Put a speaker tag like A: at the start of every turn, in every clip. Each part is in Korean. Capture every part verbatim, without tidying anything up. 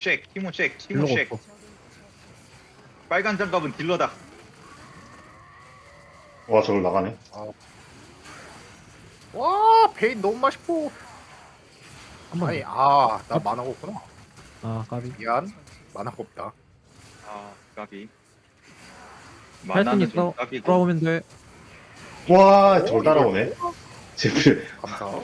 A: 잭, 티모 잭, 티모
B: 딜러가
A: 잭.
B: 없어.
A: 빨간 장갑은 딜러다.
C: 와 저걸 나가네.
D: 와 베인 너무 맛있고.
B: 한번
D: 아니
B: 더.
D: 아나
B: 어?
D: 만화가 없구나.
B: 아 까비.
D: 미안 만화가 없다.
A: 아, 까비.
B: 할수
A: 만화는
B: 있어.
A: 좀 까비고.
B: 돌아오면 돼.
C: 와 저걸 따라오네. 제필.
D: 감사.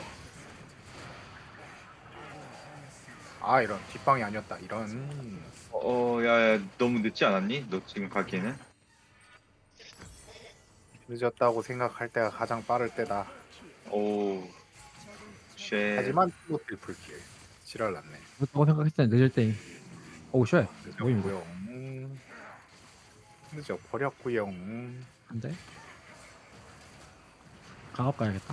D: 아 이런 뒷방이 아니었다 이런.
A: 어, 야, 야, 너무 늦지 않았니? 너 지금 가기에는?
D: 늦었다고 생각할 때가 가장 빠를 때다.
A: 오, 쉣.
D: 하지만 또 트리플킬. 지랄 났네.
B: 그렇다고 생각했을 때 늦을 때임. 오우 쉣. 뭐임 이거.
D: 늦었고요. 음. 늦어 버렸고요. 음.
B: 안돼. 강압 가야겠다.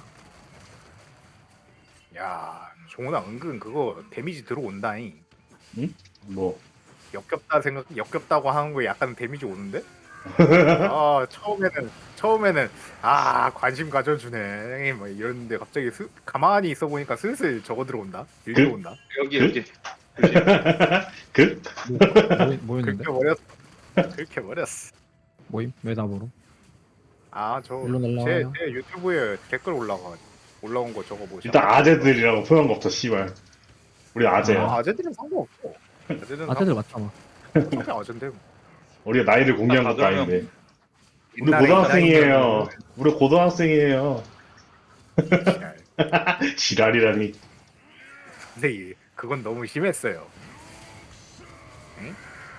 D: 야 종훈아 은근 그거 데미지 들어온다잉.
C: 뭐
D: 역겹다 생각 역겹다고 하는 거에 약간 데미지 오는데? 아 처음에는 처음에는 아 관심 가져주네 뭐 이랬는데 갑자기 스, 가만히 있어 보니까 슬슬 저거 들어온다 일
C: 그-
D: 들어온다
A: 여기,
C: 그?
A: 여기. 조심.
C: 그?
B: 뭐, 뭐였는데?
D: 그렇게 버렸어 그렇게 버렸어
B: 모임? 왜 나보러?
D: 아저
B: 일로
D: 제,
B: 날라와요.
D: 제 유튜브에 댓글 올라가 올라온 거 저거 보시
C: 일단 아재들이라고 표현 거 없어 씨발. 우리 아재야.
D: 아, 아재들은 상관없어 아재들은
B: 아재들 맞잖아.
D: 상관없어 아재인데 뭐.
C: 우리가 나이를 공개한
A: 아,
C: 것도
A: 그러면
C: 아닌데. 우리
D: 옛날에
C: 고등학생이에요. 우리 고등학생이에요.
D: 지랄.
C: 지랄이라니.
D: 근데 이- 그건 너무 심했어요 응?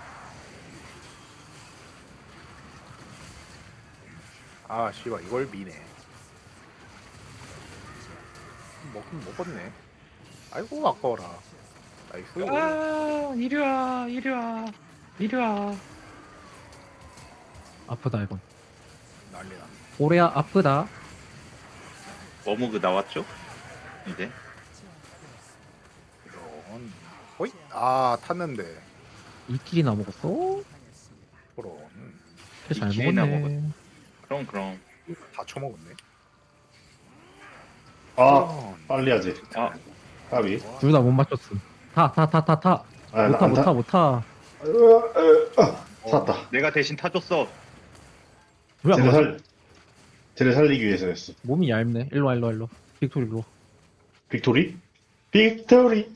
D: 아 씨발 이걸 미네 먹긴 먹었네 아이고 아까워라 나이스
A: 아, 이리 와, 이리 와, 이리 와.
B: 아프다 이건.
D: 난리나
B: 오레야 아프다.
A: 워머그 나왔죠? 이제.
D: 이런 호잇 아 탔는데
B: 이 킬이나 먹었어?
D: 저런
B: 잘
A: 이 킬이나
B: 먹었네.
A: 그럼, 그럼.
D: 다 처먹었네
C: 아
D: 저런.
C: 빨리 하지.
A: 아,
C: 까비.
B: 둘 다 못 맞췄음. 타 타 타 타 타.
C: 아,
B: 못타
C: 안 타-
B: 못타 못타.
C: 탔다.
A: 내가 대신 타줬어.
B: 왜안
C: 쟤를
B: 맞아?
C: 살 쟤를 살리기 위해서였어.
B: 몸이 얇네. 일로 와 일로 와 일로. 빅토리 일로.
C: 빅토리? 빅토리.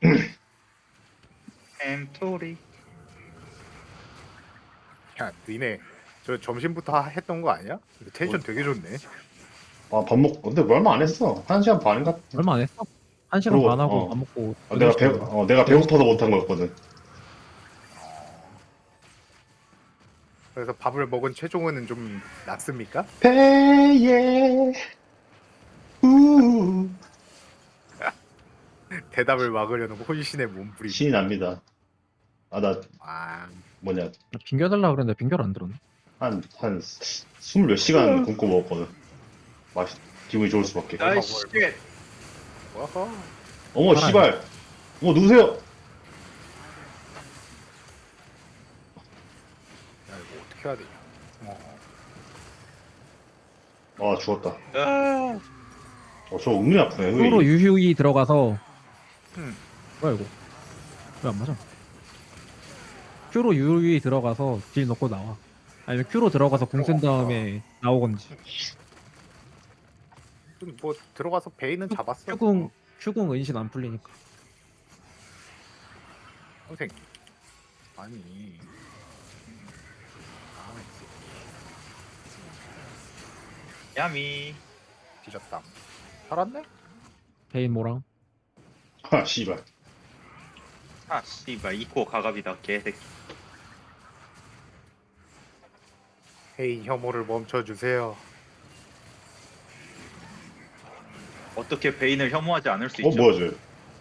A: 햄토리.
D: 야 니네 저 점심부터 하- 했던 거 아니야? 텐션 되게 좋네
C: 아 밥 먹. 근데 뭐 얼마 안 했어. 한 시간 반인가?
B: 얼마 안 했어? 한 시간
C: 그러고,
B: 반 하고
C: 어.
B: 밥 먹고.
C: 아, 내가 배 어, 내가 배고파서 못한 거였거든.
D: 그래서 밥을 먹은 최종훈은 좀 낫습니까?
C: 배에 우
D: 대답을 막으려는 혼신의 몸부림
C: 신이 납니다. 아 나
D: 아
C: 뭐냐
B: 빙겨달라 그랬는데 빙결 안 들었네.
C: 한한 스물 몇 시간 굶고 먹었거든. 맛이 기분이 좋을 수밖에.
A: 아이, 쉣.
D: 와하
C: 어머
B: 살아요.
C: 씨발. 어머 누구세요?
D: 야 이거 어떻게 해야 되냐 어.
C: 아 죽었다.
A: 아,
C: 어저 은근히 아프네.
B: 큐로
C: 왜 이-
B: 유휴이 들어가서.
D: 음.
B: 뭐야 이거? 왜 안 맞아? 큐로 유휴이 들어가서 딜 넣고 나와. 아니면 큐로 들어가서 궁 쓴 다음에 나오건지.
D: 좀 뭐 들어가서 베인은 잡았어
B: 큐궁 큐궁 은신 안 풀리니까.
D: 선생 아니 아
A: 야미.
D: 뒤졌다 살았네?
B: 베인 모랑.
C: 아 씨발.
A: 아, 씨발, 이코 가갑이다, 개새끼.
D: 베인 혐오를 멈춰주세요
A: 어떻게 베인을 혐오하지 않을 수
C: 어
A: 있죠?
C: 뭐야 쟤?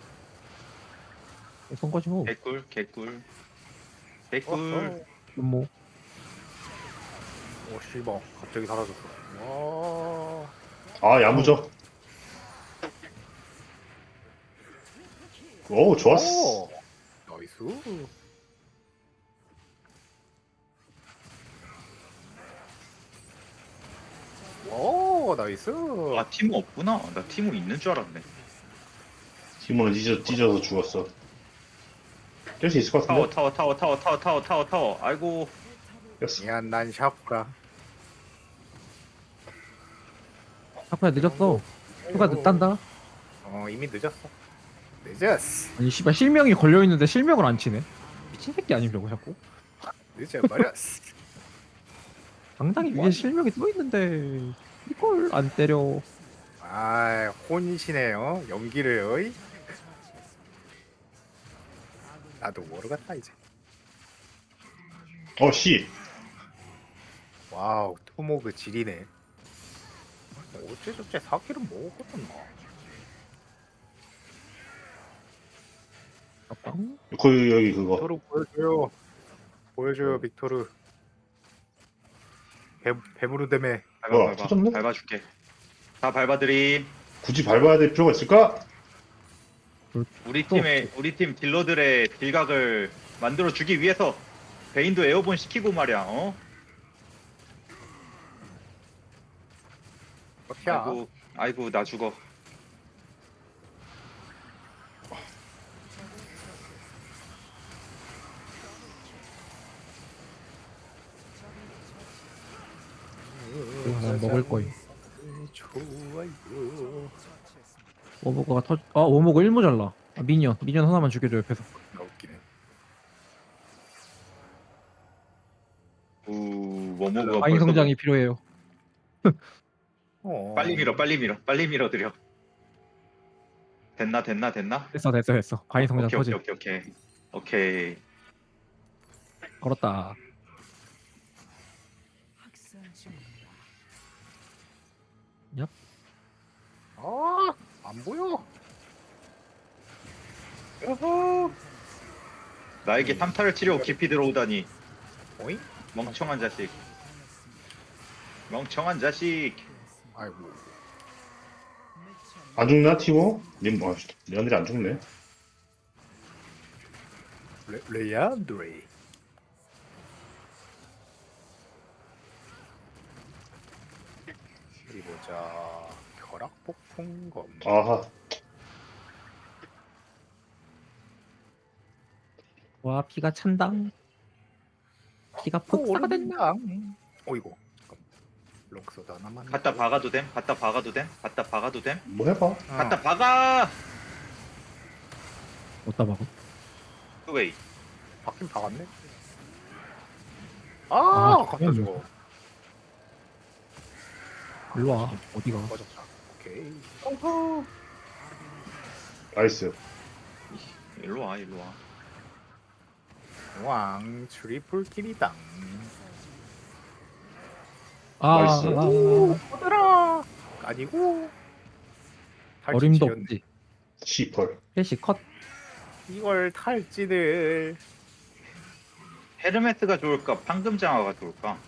B: 쏜 거지 뭐.
A: 개꿀, 개꿀.
D: 어,
A: 개꿀.
B: 뭐.
D: 오 씨발 갑자기 사라졌어 와
C: 아 야무져. 오 좋았어.
D: 오, 나이스 오 나이스
A: 아, 티모 없구나. 나 티모 있는 줄 알았네.
C: 티모는 찢어 찢어서 죽었어. 깰 수 있을 것
A: 타워
C: 같은데?
A: 타워 타워 타워 타워 타워 타워 타워. 아이고.
C: 깼어.
D: 미안 난 샤프라.
B: 샤프야 늦었어. 휴가 늦단다.
D: 어 이미 늦었어. 늦었어.
B: 아니 씨발 실명이 걸려 있는데 실명을 안 치네. 미친 새끼 아님 저거 자꾸.
D: 늦어버렸어.
B: 당당히 위에 실명이 떠 있는데 이걸 안 때려.
D: 아 혼이시네요. 연기를 어이. 나도 모르겠다 이제.
C: 어, 씨.
D: 와우 토모그 질이네. 어째저째 사기를 먹었거든 나.
B: 아빵.
C: 그, 여기 그거.
D: 빅토르 보여줘요. 보여줘요 빅토르. 배 배부르다며.
A: 밟아
C: 뭐야,
A: 밟아.
C: 터졌네?
A: 밟아줄게. 다 밟아드림.
C: 굳이 밟아야 될 필요가 있을까?
A: 우리 팀의 우리 팀 딜러들의 딜각을 만들어 주기 위해서 베인도 에어본 시키고 말이야. 어?
D: 어떻게
A: 아이고 아이고 나 죽어.
B: 난 먹을 거임.
D: 좋아요.
B: 워모그가 터. 아 워모그 일 모잘라. 아, 미니언 미니언 하나만 죽여줘 옆에서.
D: 나 웃기네.
A: 우 워모그가
B: 과잉
A: 벌써
B: 성장이 필요해요.
D: 어.
A: 빨리 밀어 빨리 밀어 빨리 밀어드려. 됐나 됐나 됐나?
B: 됐어 됐어 됐어. 과잉 성장
A: 오케이
B: 터지.
A: 오케이 오케이 오케이 오케이.
B: 걸었다.
D: 아, 안 보여.
A: 여호. 나에게 탐타를 치려고 깊이 들어오다니
D: 어이?
A: 멍청한 자식. 멍청한 자식.
D: 아이고.
C: 안 죽나, 티모? 님, 아, 레안들이 안 죽네.
D: 레, 레안드레. 어디 보자. 벼락 폭풍 검.
C: 아하.
B: 와 피가 찬당. 피가 폭사가 됐나?
D: 어이구. 록소드 하나만.
A: 갖다 박아도 됨? 갖다 박아도 됨? 갖다 박아도 됨?
C: 뭐 해봐.
D: 어.
A: 갖다 박아!
B: 어디다 박어?
A: 웨이.
D: 박긴 박았네.
B: 아,
D: 아, 갖다
B: 그냥
D: 줘.
B: 일로 와. 어디가?
D: 꺼졌다. 오케이.
C: 나이스.
A: 일로 와 일로 와.
D: 왕 트리플 킬이당.
B: 아,
C: 나이스.
B: 아, 아,
D: 꺼들아. 아니고.
B: 아. 어림도
D: 탈진
B: 없지.
C: 시펄.
B: 캐시 컷.
D: 이걸 탈진을.
A: 헤르메스가 좋을까? 황금장화가 좋을까?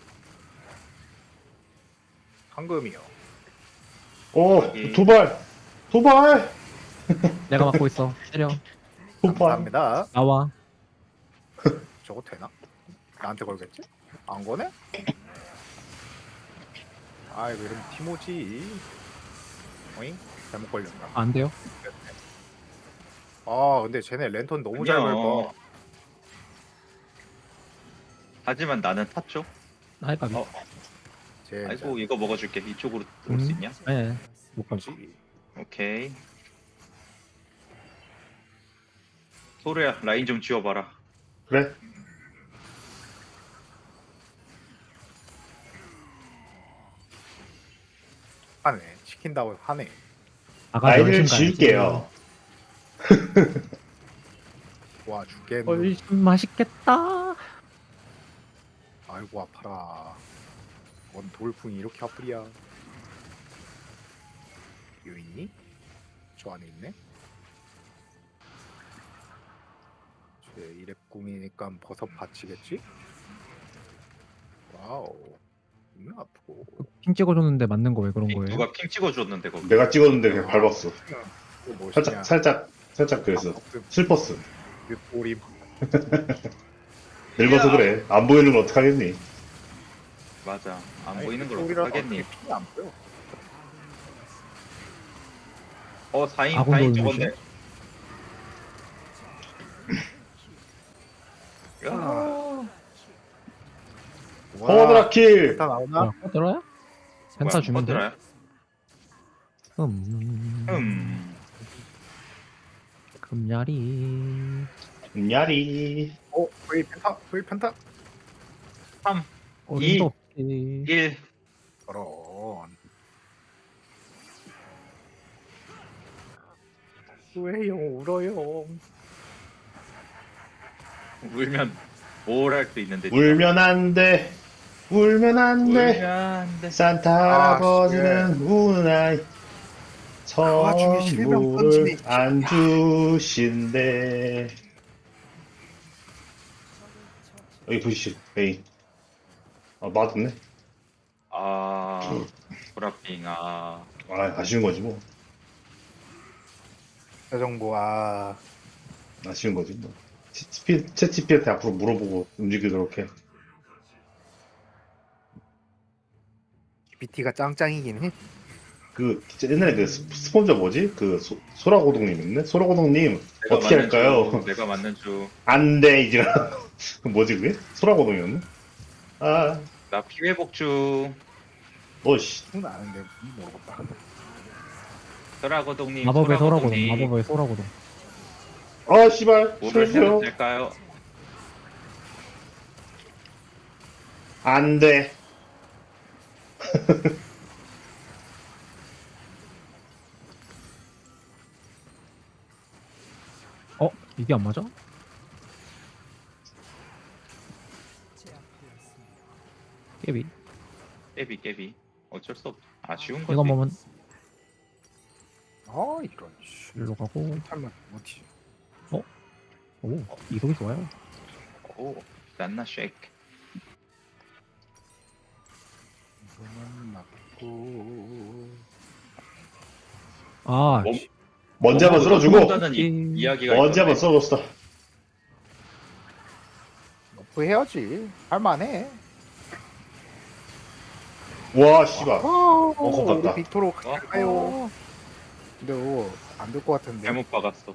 D: 황금이요.
C: 오,
A: 여기.
C: 도발! 도발!
B: 내가 막고 있어. 때려.
C: 도발!
D: 감사합니다.
B: 나와.
D: 저거 되나? 나한테 걸겠지? 안 거네? 아이고 이러면 티모지. 어잉? 잘못 걸렸나?
B: 안 돼요?
D: 아 근데 쟤네 랜턴 너무 잘
A: 아니야.
D: 밟아.
A: 하지만 나는 탔죠.
B: 나이 까비.
A: 어.
D: 쟤
A: 아이고 이거 먹어줄게. 이쪽으로 올 수
B: 음.
A: 있냐?
B: 네. 못 가지.
D: 뭐지?
A: 오케이. 소르야 라인 좀 지워봐라.
C: 그래?
D: 하네. 시킨다고 하네.
B: 아가
C: 라인을
B: 열심 가야지.
C: 지을게요.
D: 와 죽겠네.
B: 훨씬 맛있겠다.
D: 아이고 아파라. 뭔 돌풍이 이렇게 아프리야. 요 있니? 저 안에 있네. 쟤 이랩궁이니까 버섯 받치겠지? 와우. 눈 아프고.
B: 핑 찍어줬는데 맞는 거 왜 그런 거예요?
A: 누가 핑 찍어줬는데 거기.
C: 내가 찍었는데 그냥 밟았어.
D: 이거 뭐시냐?
C: 살짝, 살짝, 살짝 그래서. 슬펐어.
D: 오림.
C: 늙어서 그래. 안 보이는 건 어떡하겠니?
A: 맞아. 안
D: 아니,
A: 보이는 걸
D: 소리라도
A: 어떡하겠니?
D: 어떻게 피가 안 보여.
A: 어 사인
B: 아군도
A: 사인
B: 올리시네.
A: 저건데. 야.
C: 허드라킬.
D: 다 나오나?
B: 뭐야 꺼들어요? 펜타
A: 뭐야,
B: 주면 돼?
A: 꺼들어요?
B: 음...
A: 음.
B: 금야리
C: 야리.
D: 어, V 펜타, V 펜타.
A: 삼,
B: 어림도 없지.
A: 일.
D: 저런. 왜요, 울어요.
A: 울면 뭘 할 수 있는데.
C: 울면 안 돼. 울면 안 돼.
A: 울면 안 돼.
C: 산타
D: 아,
C: 할아버지는 우는 아이.
D: 그 와중에 실명
C: 선물을
D: 던지네.
C: 안 주신대. 여기 보시죠. 메인. 아 맞았네.
A: 아, 보라핑, 아.
C: 아 아쉬운 거지 뭐.
D: 저 정보, 아.
C: 아쉬운 거지 뭐. 채치피한테 앞으로 물어보고 움직이도록 해.
D: 비티가 짱짱이긴 해.
C: 그 옛날에 그 스- 스폰저 뭐지? 그 소, 소라고동님 있네? 소라고동님
A: 내가
C: 어떻게
A: 맞는
C: 할까요?
A: 중, 내가 맞는 중.
C: 안돼 이제 그 뭐지 그게? 소라고동이었나? 아
A: 나 피회복 중.
C: 너씨
D: 그건 아는데, 모르겠다.
A: 소라고동님.
B: 마법의 소라고동
A: 소라고동님.
B: 마법의 소라고동.
C: 아 씨발
A: 뭐를 해도
C: 살려주세요.
A: 될까요?
C: 안돼.
B: 어? 이게 안 맞아? 깨비
A: 깨비, 깨비. 어쩔 수 없. 아쉬운 거지.
B: 이거 보면
D: 아, 이런, 씨.
B: 일로 가고.
D: 설마, 뭐지?
B: 오 이속이 좋아요.
A: 오, 난나 쉐이크.
D: 이거는 맞고.
B: 아
A: 몸-
C: 먼지 한번 쓸어주고
A: 한다는 이- 이야기가
C: 먼지 한번
A: 있던데.
C: 쓸어줬어.
D: 너프 해야지. 할만해.
C: 와 씨발.
D: 어,
C: 겁났다.
D: 우리 빅토로
A: 어?
D: 갈까요? 근데 안 될 것 같은데.
A: 잘못 박았어.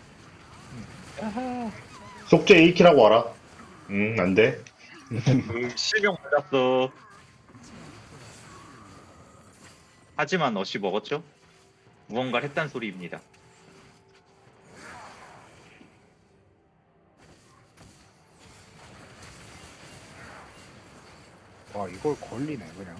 C: 속죄 일 킬하고 와라. 응 안돼.
A: 음, 실명 받았어. 하지만 어시 먹었죠? 무언가를 했단 소리입니다.
D: 와, 이걸 걸리네 그냥.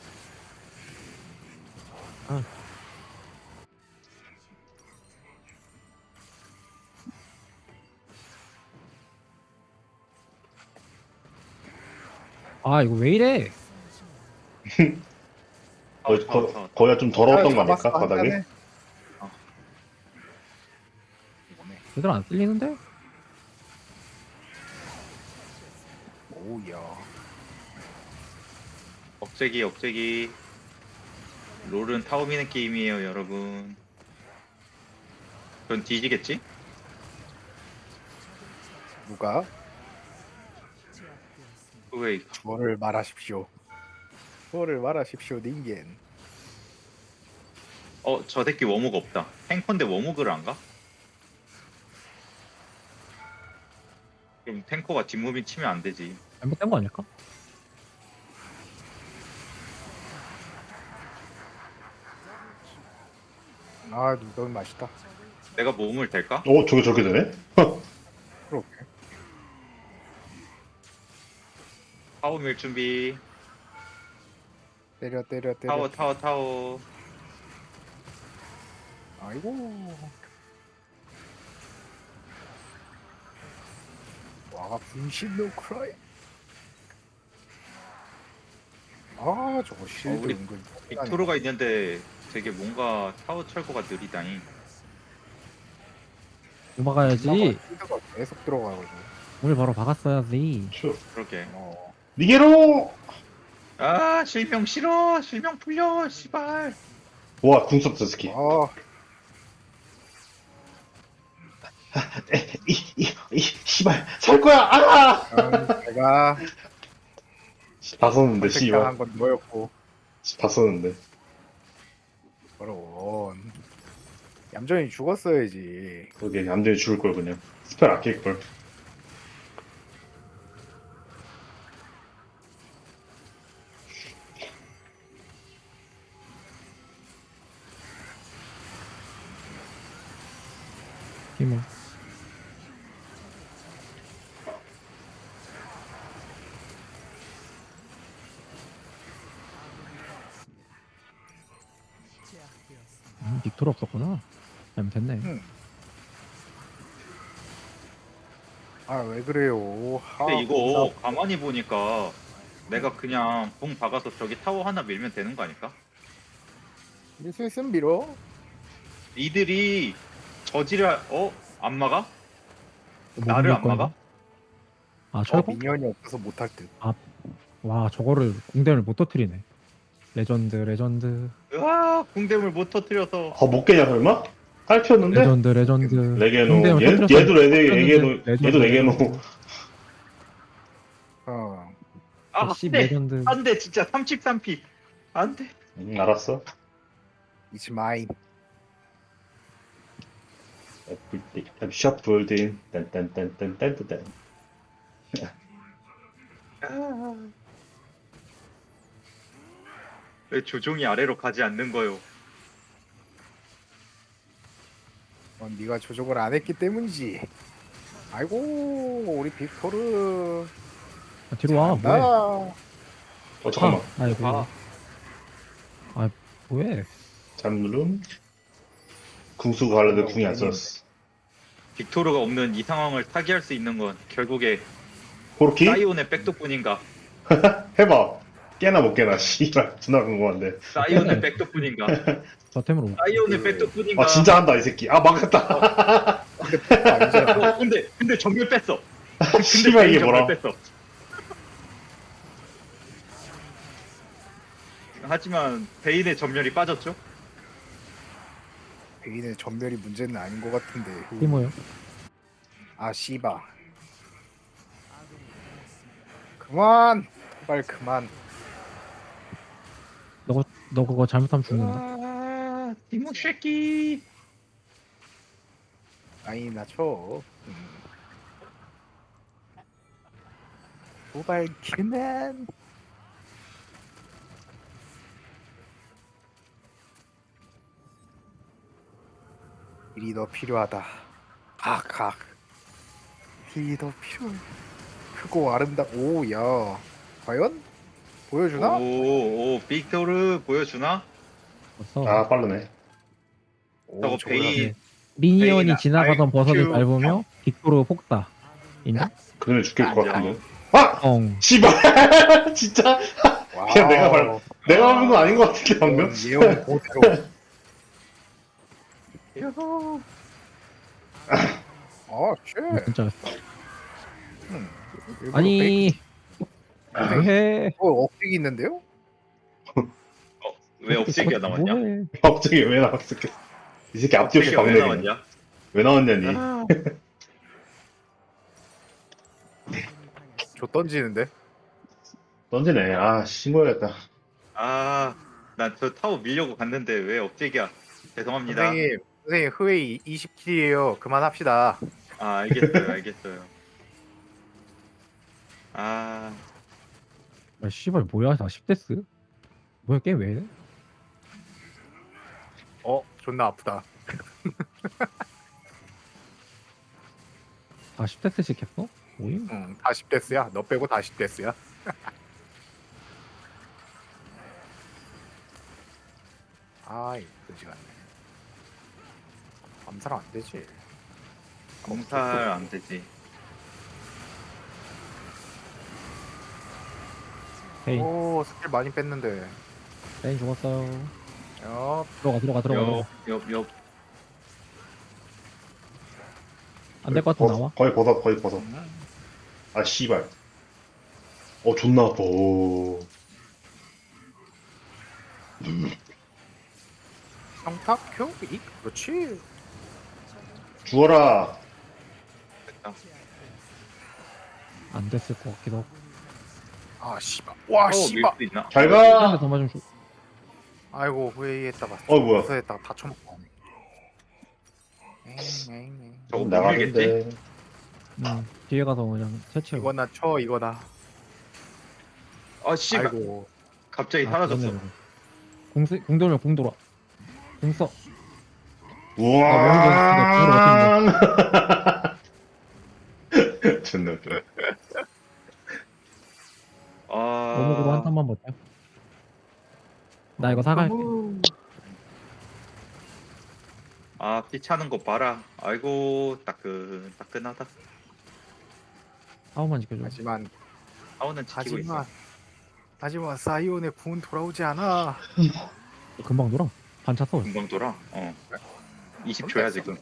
B: 아 이거 왜 이래?
C: 거,
A: 타워, 타워,
C: 거,
A: 타워.
C: 거기가 좀 더러웠던 거
D: 잡았어,
C: 아닐까
D: 한
C: 바닥에?
D: 잔에. 어. 이거네.
B: 제대로 안 쓸리는데?
D: 오우야.
A: 억제기, 억제기. 롤은 타워 미는 게임이에요, 여러분. 전 뒤지겠지?
D: 누가
A: 왜
D: 저를 말하십시오. 저를 말하십시오, 닌겐.
A: 어, 저 새끼 워묵 없다. 탱커인데 워묵을 안 가? 그럼 탱커가 뒷무빙 치면 안 되지.
B: 잘못된 거 아닐까?
D: 아, 누가 맛있다.
A: 내가 몸을 댈까?
C: 어 저게 저렇게 되네?
D: 그렇게.
A: 타워 밀 준비.
D: 때려, 때려, 때려.
A: 타워, 타워, 타워.
D: 아이고. 와, 분신 노 크라이. 아, 저거 실드
A: 어, 우리
D: 은근.
A: 빅토르가 있는데 되게 뭔가 타워 철거가 느리다니.
B: 도망가야지.
D: 실드가 계속 들어가거든.
B: 오늘 바로 박았어야지.
C: 슈.
A: 그러게.
D: 어.
C: 니게로.
A: 아, 실명 싫어. 실명 풀려. 씨발.
C: 와 궁섭 저 스키.
D: 아,
C: 이이이 씨발 살 거야. 아.
D: 아, 제가
C: 다 썼는데 씨발.
D: 선택당한 건 너였고.
C: 다 썼는데.
D: 그럼 얌전히 죽었어야지.
C: 그게 얌전히 죽을 걸 그냥. 스펠 아낄 걸.
B: 뭐. 음, 빅토르 없었구나. 잘못했네.
D: 음. 아 왜 그래요? 아,
A: 근데 이거
D: 겁나-
A: 가만히 보니까 내가 그냥 붕 박아서 저기 타워 하나 밀면 되는 거 아닐까?
D: 이제 슬슬 밀어.
A: 이들이 저지를 어? 안 막아?
B: 뭐
A: 나를
B: 밀
A: 안
B: 거야,
A: 막아?
B: 이거? 아
D: 어,
B: 철거?
D: 미니언이 없어서 못할 듯.
B: 와 저거를 공대를 못 터뜨리네. 레전드 레전드
A: 으아 궁대물 못 터뜨려서
C: 아, 못 깨냐, 설마? 탈피었는데?
B: 레전드 레전드.
C: 레게노.
B: 공대를
C: 얘,
B: 터뜨렸어.
C: 얘도 레게,
B: 터뜨렸는데
C: 레게노.
B: 레전드,
C: 얘도 레게노.
B: 레전드.
D: 어.
A: 아
B: 십
A: 안돼
B: 레전드.
A: 안돼 진짜 삼십삼 피 안돼
C: 응, 알았어.
D: It's mine.
C: I'm shuffled 딴딴딴딴딴딴.
A: 왜 조종이 아래로 가지 않는 거요?
D: 어, 네가 조종을 안 했기 때문이지. 아이고 우리 빅토르.
B: 아, 뒤로 와 뭐해?
D: 나.
C: 어, 잠깐만.
B: 아, 아이고.
A: 아.
B: 아 뭐해?
C: 잘못 누름. 궁수가 하려는데 궁이 안 썼어.
A: 빅토르가 없는 이 상황을 타개할 수 있는 건 결국에
C: 코르키?
A: 사이온의 백도뿐인가?
C: 해봐. 깨나 못 깨나. 씨발. 존나 궁금한데.
A: 사이온의 백도뿐인가?
B: 저 템으로 못.
A: 사이온의 백도뿐인가?
C: 아, 진짜 한다, 이 새끼. 아, 막았다.
D: 아니잖아.
A: 어, 근데 근데 전멸 뺐어. 근데
C: 씨발, 이게
A: 전멸
C: 뭐라.
A: 뺐어. 하지만 베인의 전멸이 빠졌죠?
D: 베인의 전멸이 문제는 아닌 것 같은데.
B: 이모요.
D: 아 씨바. 그만. 빨리 그만.
B: 너 너 그거 잘못하면 죽는다.
A: 아, 디모 새끼.
D: 아니 나 쳐. 음. 도발 그만. 힐이 더 필요하다. 각각. 힐이 더 필요해. 크고 아름다. 오야. 과연 보여주나?
A: 오, 오, 빅토르 보여주나?
B: 벌써.
C: 아, 빠르네.
D: 오,
A: 저거
D: 저거야.
A: 베인
B: 미니언이
A: 베인,
B: 지나가던
A: 아이,
B: 버섯을
A: 큐.
B: 밟으며 빅토르 폭다. 인정?
C: 그러면 죽일 것
A: 인정.
C: 같은데. 아!
B: 엉.
C: 씨발. 진짜.
D: 와우.
C: 그냥 내가 말- 내가 하는 건 아닌 것 같은데, 방금.
D: 예언 그대로.
A: 야호.
D: 아, 쉣.
B: 진짜.
D: 음. 일부러 페이크-
B: 아니 왜?
D: 어, 억직이 있는데요?
A: 왜 업체기가 나왔냐?
B: 뭐해?
C: 갑자기 왜 나왔을게? 이 새끼 앞뒤 없이
A: 업체기가 왜
C: 박내기네.
A: 나왔냐?
C: 왜 나왔냐니.
A: 아,
D: 저 던지는데?
C: 던지네. 아, 신고해야겠다.
A: 아, 난 저 타워 밀려고 갔는데 왜 업체기야? 죄송합니다.
D: 선생님, 선생님 흐웨이 이십 킬이에요. 그만합시다.
A: 아, 알겠어요, 알겠어요. 아,
B: 아, 씨발 뭐야? 나 십 데스? 뭐야 게임 왜 이래?
D: 어, 존나 아프다.
B: 다 십 데스씩 했어? 뭐임?
D: 응, 다 십 데스야. 너 빼고 다 십 데스야. 아이, 그지 같네. 암살 안 되지.
A: 검살 안 되지.
B: 헤이
D: 오, 스킬 많이 뺐는데.
B: 헤이 죽었어요.
D: 야,
B: 들어가 들어가 들어가.
A: 옆, 옆, 옆.
B: 안될 것 같으면
C: 버-
B: 나와.
C: 거의 버섯, 거의 버섯. 아, 씨발. 어, 존나 아파. 오.
D: 성탁 큐? 이? 그렇지.
C: 죽어라.
A: 됐다.
B: 안 됐을 것 같기도 하고.
D: 아, 씨발. 와,
A: 타워 밀
D: 씨발.
A: 수 있나?
C: 잘
B: 한
C: 가.
B: 대 더 맞으면 죽.
D: 아이고, 후회했다가.
C: 어, 뭐야.
D: 후회했다가 다 쳐먹고. 에잉, 에잉, 에잉.
A: 저거 못 밀겠지?
C: 나가는데.
B: 음, 뒤에 가서 그냥 채채.
D: 이거나 쳐, 이거나.
A: 아, 씨발.
D: 아이고.
A: 갑자기 사라졌어.
B: 공세 공돌면 공 돌아. 공 써.
C: 우와. 존나 웃겨.
B: 오목으로 한
A: 아,
B: 턴만 버텨. 나 이거 사갈게.
A: 아, 피 차는 거 봐라. 아이고, 따끈, 따끈하다.
B: 사오만 지켜줘.
D: 하지만
A: 사우는 지키고 있어.
D: 하지만 하지만 사이온의 궁은 돌아오지 않아.
B: 금방 돌아. 반차 써.
A: 금방 돌아. 어. 이십 초야 지금.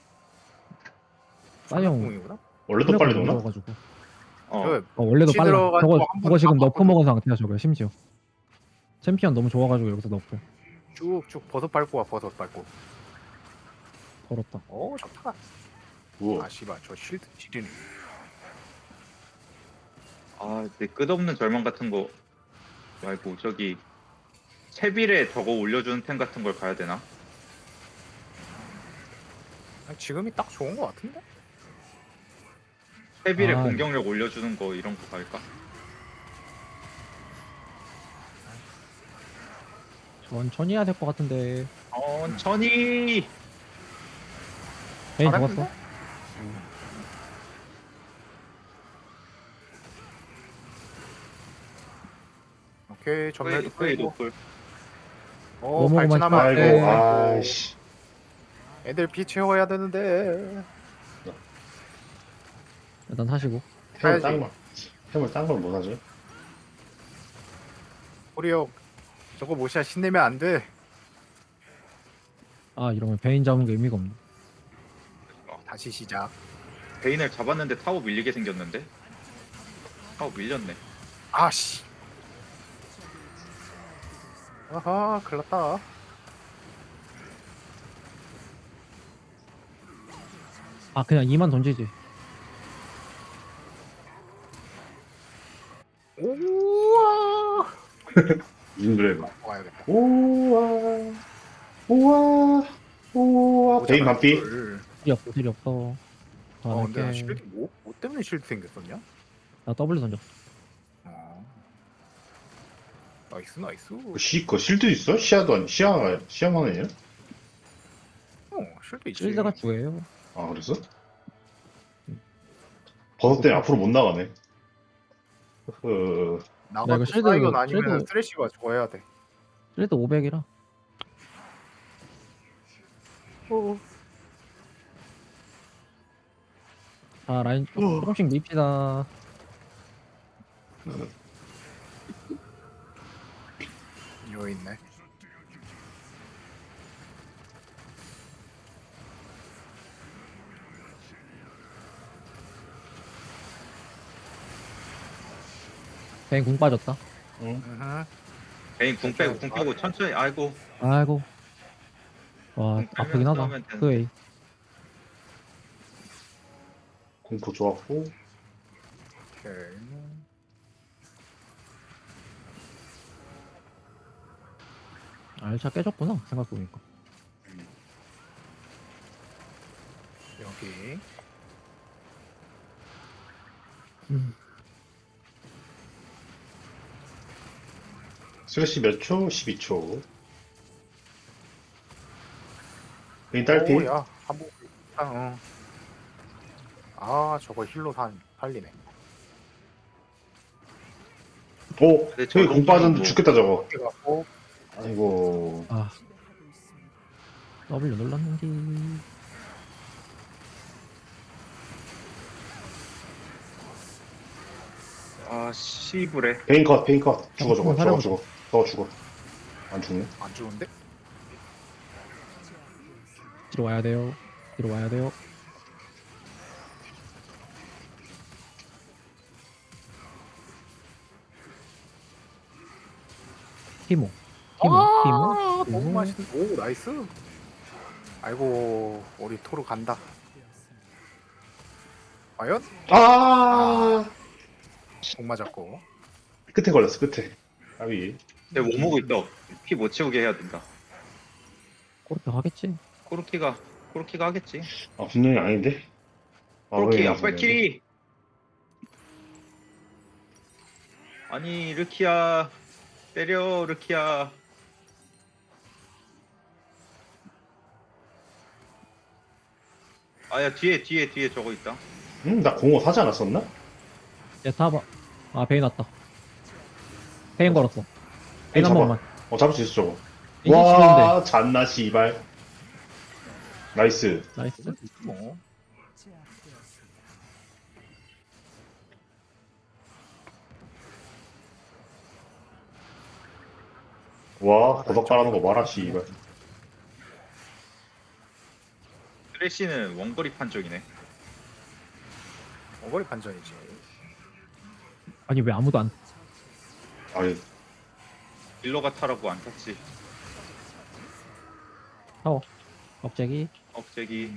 B: 사이온
D: 궁이구나.
C: 원래도 빨리 도나?
B: 가지고.
A: 어.
D: 저
B: 어 원래도
D: 혹시
B: 빨라.
D: 들어가지고
B: 저거
D: 한번
B: 저거 지금 너프
D: 잡았거든.
B: 먹은 상태야 저거 심지어. 챔피언 너무 좋아가지고 여기서 너프.
D: 쭉쭉 버섯 밟고 와 버섯 밟고.
B: 걸었다.
D: 오 좋다.
C: 우와.
D: 아 씨발 저 쉴드 지리네.
A: 아, 내 끝없는 절망 같은 거 말고 저기 채빌에 저거 올려주는 템 같은 걸 가야 되나?
D: 아, 지금이 딱 좋은 거 같은데?
A: 채빌에
B: 아.
A: 공격력 올려주는 거 이런 거 갈까?
B: 천천히 해야 될 것 같은데.
A: 천천히.
B: 베인
D: 잘했는데?
B: 죽었어.
D: 오케이 전멸도
A: 거의
D: 끌고.
A: 노플.
D: 오
B: 뭐뭐만
D: 발진하면 안
C: 아이고,
D: 돼.
C: 아이씨.
D: 애들 피 채워야 되는데.
B: 일단 하시고.
C: 템을
D: 가야지.
C: 딴 걸. 템을 딴걸 못 하죠?
D: 우리 형 저거 못이야 신내면 안 돼.
B: 아 이러면 베인 잡은 게 의미가 없네.
D: 다시 시작.
A: 베인을 잡았는데 타워 밀리게 생겼는데? 타워 밀렸네.
D: 아씨. 아하 큰일났다.
B: 아 그냥 이만 던지지.
D: 우와.
C: 인그레브.
D: 와야겠다.
C: 우와. 우와. 우와. 베인 반피.
B: 딜이 없어 딜이 없어. 더
D: 어
B: 안
D: 근데 나
B: 할게.
D: 실드 뭐? 뭐 때문에 실드 생겼었냐?
B: 나 W 던졌어.
D: 어. 나이스 나이스.
C: 시, 그 실드 있어? 시야도 아니, 시야가, 시야만 아니야?
D: 어 실드 있지.
B: 실드가 주예요.
C: 아, 그랬어? 버섯 때문에 앞으로 못 나가네. 그,
B: 나
D: 나가도
B: 이거 실드-
D: 사이언 아니면
B: 실드-
D: 쓰레쉬가 죽어야 돼.
B: 실드 오백이라.
D: 어.
B: 자 라인 조- 조금씩 밉시다.
D: 이거 있네.
B: 베인 궁 빠졌다.
C: 응.
D: 으흠.
A: 베인 궁 빼고 궁 빼고 천천히. 아이고.
B: 아이고. 와
A: 궁
B: 아프긴
A: 빼면서
B: 하다.
A: 하면 되는데.
B: 그웨이.
C: 공포 좋았고.
D: 오케이.
B: 알차 깨졌구나 생각해보니까.
D: 여기.
B: 음.
C: 슬래시 몇 초? 십이 초. 베인 딸피.
D: 오, 야, 한번 아, 어. 아, 저거 힐로 산 살리네.
C: 오!
A: 근데
C: 저기
A: 저거
C: 공 빠졌는데
A: 뭐-
C: 죽겠다, 저거.
D: 이렇게 갖고
C: 아이고.
B: 아 W 눌렀는데.
A: 아, 씨부래.
C: 베인 컷, 베인 컷. 죽어, 저거,
B: 어,
C: 저거,
B: 사려보자.
C: 죽어. 저거 죽어. 안 죽네.
D: 안 죽은데?
B: 뒤로 와야 돼요. 뒤로 와야 돼요. 티모. 티모.
D: 아,
B: 티모.
D: 너무
B: 티모.
D: 맛있는. 오, 나이스. 아이고, 우리 토르 간다. 과연?
C: 아!
D: 공 맞았고.
C: 끝에 걸렸어, 끝에. 아위.
A: 내가 못 먹고 있어. 피 못 채우게 해야 된다.
B: 그렇게 하겠지.
A: 코르키가 코르키가 하겠지.
C: 아, 분명히 아닌데? 아,
A: 코르키
C: 왜
A: 앞발키리. 아니 르키야 때려 르키야. 아야 뒤에 뒤에 뒤에 저거 있다.
C: 응? 나 공허 사지 않았었나?
B: 얘 타봐. 아 베인 왔다. 베인 걸었어. 베인
C: 베인
B: 한
C: 잡아.
B: 번만.
C: 어 잡을 수 있어 저거.
B: 베인
C: 와 잔나 씨발. 나이스.
B: 나이스.
D: 뭐
C: 와 버섯 깔아놓은 거 봐라 씨발.
A: 쓰레쉬는 원거리 판정이네.
D: 어거리 판정이지.
B: 아니 왜 아무도 안
C: 아니
A: 딜러가 타라고 안 탔지.
B: 타워. 갑자기
A: 억제기.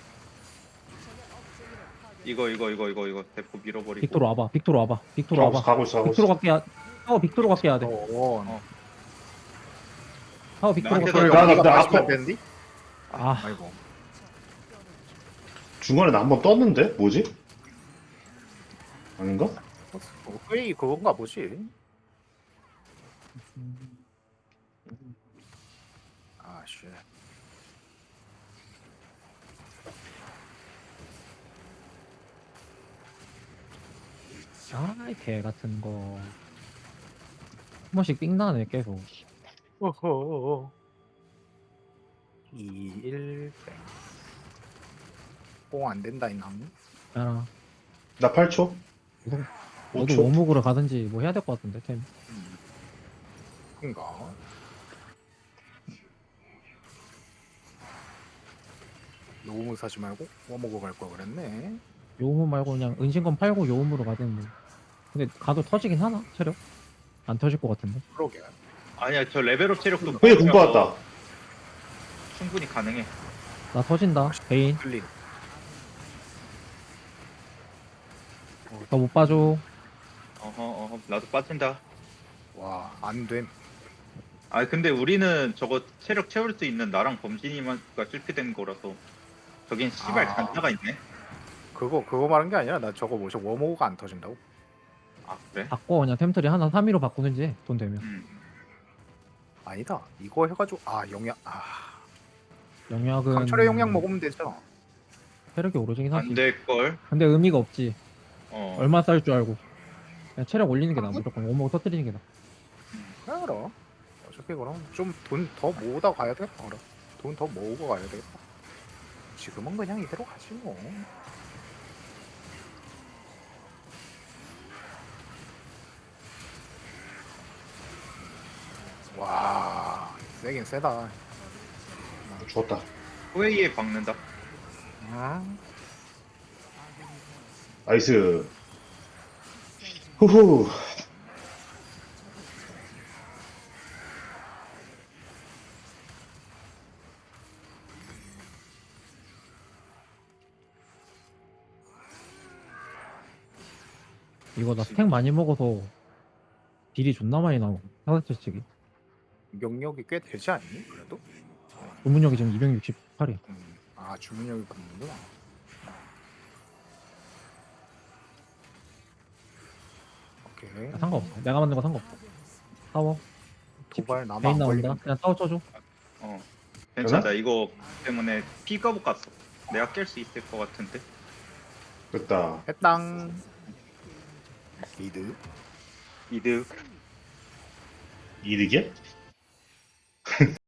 A: 이거 이거 이거 이거 이거 대포 밀어버리고.
B: 빅토로 와봐. 빅토로 와봐. 빅토로
C: 가고 있어
B: 와봐.
C: 가고 있어 가고
B: 빅토로
C: 있어.
B: 갈게. 야- 타워 빅토로 갈게 해야 돼.
D: 어,
A: 어.
B: 타워 빅토로
A: 나한테
B: 갈게.
C: 나- 나-
D: 여기가
C: 나
D: 마지막
C: 앞에-
D: 되는데?
B: 아.
D: 아이고.
C: 중간에 나 한 번 떴는데 뭐지? 아닌가?
D: 어, 거의 그건가 보지. 아, 씨.
B: 아이 개 같은 거. 한 번씩 삥 나네 계속.
D: 어허. 이, 일, 땡. 뽕안 된다, 이남.
B: 야,
C: 나 팔 초? 오
B: 너도
C: 초?
B: 원목으로 가든지 뭐 해야 될 것 같은데 템.
D: 그니까. 너무 사지 말고 워먹어 갈 걸 그랬네.
B: 요음 말고 그냥 은신건 팔고 요음으로 가든 뭐. 근데 가도 터지긴 하나 체력? 안 터질 것 같은데.
D: 그러게.
A: 아니야 저 레벨업 체력도
C: 왜 공부 왔다.
A: 충분히 가능해.
B: 나 터진다. 베인.
D: 클린.
B: 너 못 봐줘.
A: 어허 어허 나도 빠진다.
D: 와, 안 됨.
A: 아 근데 우리는 저거 체력 채울 수 있는 나랑 범진이가 실패된 거라서 저긴 씨발
D: 아.
A: 단타가 있네.
D: 그거 그거 말한 게 아니라 나 저거 뭐죠 워머가 안 터진다고.
A: 아 그래?
B: 바꿔 그냥 템트리 하나 삼 위로 바꾸는지 해, 돈 되면.
A: 음.
D: 아니다. 이거 해가지고 아 영약 아
B: 영약은
D: 강철의 영약 먹으면 되죠.
B: 체력이 오르긴 하지.
A: 안 될 걸.
B: 근데 의미가 없지.
A: 어.
B: 얼마 쌀 줄 알고. 그냥 체력 올리는 게 나아. 무조건 원목 터뜨리는 게 나아.
D: 그래 그럼. 어차피 그럼 좀 돈 더 모으다 가야 되겠다. 그럼 돈 더 모으고 가야 되겠다. 지금은 그냥 이대로 가지 뭐. 와 세긴 세다.
C: 죽었다.
A: 후웨이에 박는다.
D: 응?
C: 나이스. 후후.
B: 이거 나 스택 많이 먹어서 딜이 존나 많이 나오고. 사사체치기.
D: 명력이 꽤 되지 않니? 그래도?
B: 주문력이 지금 이백육십팔이야.
D: 음. 아 주문력이 붙는구나. 오케이.
B: 상관없어. 내가 만든 거 상관없어. 타워.
D: 도발 나만
B: 베인
D: 안
B: 나온다.
D: 걸리는.
B: 그냥 타워 쳐줘.
A: 어. 괜찮다. 이거 때문에 피거북 갔어. 내가 깰 수 있을 것 같은데.
C: 됐다.
D: 해땅. 미드.
A: 이득.
C: 이득이야?